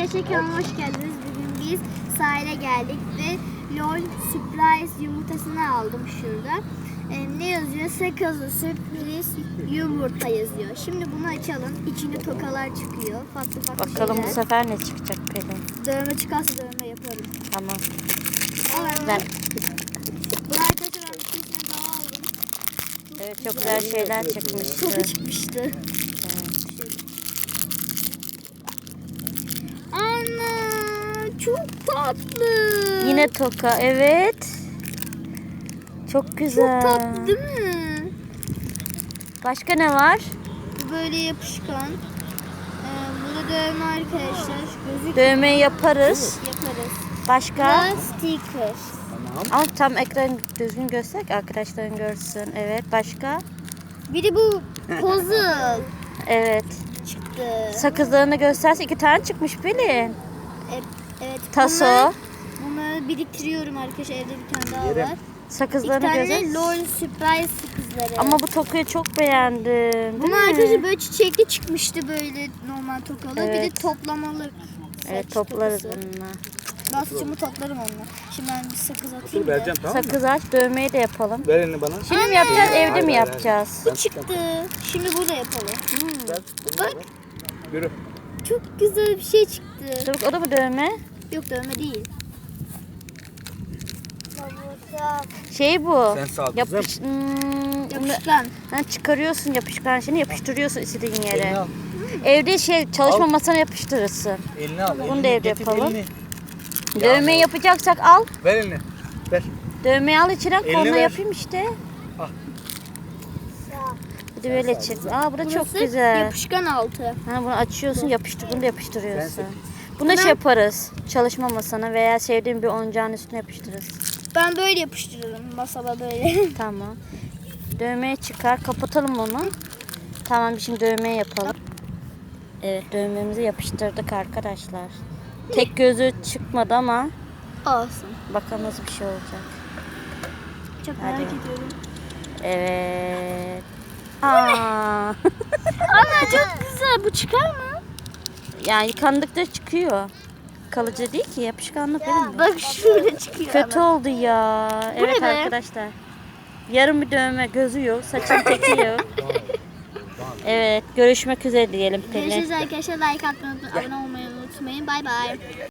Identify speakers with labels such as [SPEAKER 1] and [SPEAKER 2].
[SPEAKER 1] arkadaşlar, kanalıma hoş geldiniz. Bugün biz sahile geldik ve LOL Surprise yumurtasını aldım şurada. Ne yazıyor? Sakızlı sürpriz yumurta yazıyor. Şimdi bunu açalım. İçinde tokalar çıkıyor. Farklı farklı
[SPEAKER 2] Bakalım
[SPEAKER 1] şeyler.
[SPEAKER 2] bu sefer ne çıkacak Pelin?
[SPEAKER 1] Dövme çıkarsa dövme yaparım.
[SPEAKER 2] Tamam.
[SPEAKER 1] Ben... Bunu arkadaşlar ben bir tane daha aldım.
[SPEAKER 2] Evet, çok güzel şeyler çıkmıştı.
[SPEAKER 1] Toka çıkmıştı.
[SPEAKER 2] Evet.
[SPEAKER 1] Ana çok tatlı.
[SPEAKER 2] Yine toka, evet. Çok güzel.
[SPEAKER 1] Çok tatlı değil mi?
[SPEAKER 2] Başka ne var?
[SPEAKER 1] Böyle yapışkan. Burada dövme arkadaşlar. Gözük
[SPEAKER 2] Dövmeyi yaparız.
[SPEAKER 1] yaparız.
[SPEAKER 2] Başka?
[SPEAKER 1] Ve sticker.
[SPEAKER 2] Ama tam ekran düzgün göster ki arkadaşların görsün. Evet, başka?
[SPEAKER 1] Bir de bu puzzle
[SPEAKER 2] Evet.
[SPEAKER 1] çıktı.
[SPEAKER 2] Sakızlarını gösterse 2 tane çıkmış Pelin.
[SPEAKER 1] Evet.
[SPEAKER 2] Taso.
[SPEAKER 1] Bunları biriktiriyorum arkadaşlar. Evde bir tane daha var. İki
[SPEAKER 2] Sakızlarını
[SPEAKER 1] tane
[SPEAKER 2] göster.
[SPEAKER 1] LOL Surprise sakızları.
[SPEAKER 2] Ama bu tokayı çok beğendim. Değil
[SPEAKER 1] Bunun
[SPEAKER 2] mi?
[SPEAKER 1] arkadaşlar böyle çiçekli çıkmıştı, böyle normal tokalı. Bir de
[SPEAKER 2] Evet.
[SPEAKER 1] toplamalı.
[SPEAKER 2] Evet,
[SPEAKER 1] saç
[SPEAKER 2] toplarız
[SPEAKER 1] tokası.
[SPEAKER 2] bununla.
[SPEAKER 1] Ben saçımı toplarım onunla. Şimdi ben bir sakız atayım
[SPEAKER 3] Dur
[SPEAKER 1] da.
[SPEAKER 3] vereceğim, tamam mı?
[SPEAKER 2] Sakız aç, dövmeyi de yapalım.
[SPEAKER 3] Ver elini bana.
[SPEAKER 2] Şimdi mi yapacağız, evde
[SPEAKER 3] Hayır,
[SPEAKER 2] mi
[SPEAKER 3] hayır,
[SPEAKER 2] yapacağız?
[SPEAKER 1] Bu çıktı. Şimdi burada yapalım.
[SPEAKER 3] Ver.
[SPEAKER 1] Bak,
[SPEAKER 3] Yürü.
[SPEAKER 1] çok güzel bir şey çıktı.
[SPEAKER 2] Dur, o da mı dövme?
[SPEAKER 1] Yok, dövme değil.
[SPEAKER 2] Şey bu.
[SPEAKER 3] Sen sağ ol
[SPEAKER 2] Yapış,
[SPEAKER 1] Yapışkan.
[SPEAKER 2] Ha, çıkarıyorsun yapışkan şeyini, yapıştırıyorsun istediğin
[SPEAKER 3] Elini
[SPEAKER 2] yere.
[SPEAKER 3] al.
[SPEAKER 2] Evde çalışma
[SPEAKER 3] Al.
[SPEAKER 2] masana yapıştırırsın.
[SPEAKER 3] Elini al.
[SPEAKER 2] Bunu da evde
[SPEAKER 3] getir,
[SPEAKER 2] yapalım.
[SPEAKER 3] elini.
[SPEAKER 2] Dövmeyi yapacaksak al.
[SPEAKER 3] Ver elini. Ver.
[SPEAKER 2] Dövmeyi al içine,
[SPEAKER 3] Elini
[SPEAKER 2] koluna
[SPEAKER 3] ver.
[SPEAKER 2] yapayım işte.
[SPEAKER 3] Al.
[SPEAKER 2] Bir de böyle çık. Aa, bu da çok
[SPEAKER 1] Burası
[SPEAKER 2] güzel.
[SPEAKER 1] yapışkan altı.
[SPEAKER 2] Ha, bunu açıyorsun, bunu da yapıştırıyorsun.
[SPEAKER 3] Sen
[SPEAKER 2] Bunu şey yaparız. Çalışma masana veya sevdiğin bir oyuncağın üstüne yapıştırırız.
[SPEAKER 1] Ben böyle yapıştırırım masada böyle.
[SPEAKER 2] Tamam. Dövmeyi çıkar. Kapatalım onu. Tamam, şimdi dövmeyi yapalım. Evet, dövmemizi yapıştırdık arkadaşlar. Tek gözü çıkmadı ama
[SPEAKER 1] Olsun.
[SPEAKER 2] bakalım nasıl bir şey olacak.
[SPEAKER 1] Çok
[SPEAKER 2] Hadi.
[SPEAKER 1] merak ediyorum.
[SPEAKER 2] Evet. Aa.
[SPEAKER 1] Ana çok güzel. Bu çıkar mı?
[SPEAKER 2] Yani yıkandıkça çıkıyor. Kalıcı değil ki, yapışkanlık benim mi?
[SPEAKER 1] Bak şöyle çıkıyor.
[SPEAKER 2] Kötü oldu ya. Evet
[SPEAKER 1] ne be?
[SPEAKER 2] arkadaşlar. Yarım bir dövme, gözü yok, saçın teki yok. Evet, görüşmek üzere diyelim Pelin.
[SPEAKER 1] Görüşürüz arkadaşlar. Like atmayı, abone olmayı unutmayın. Bay bay.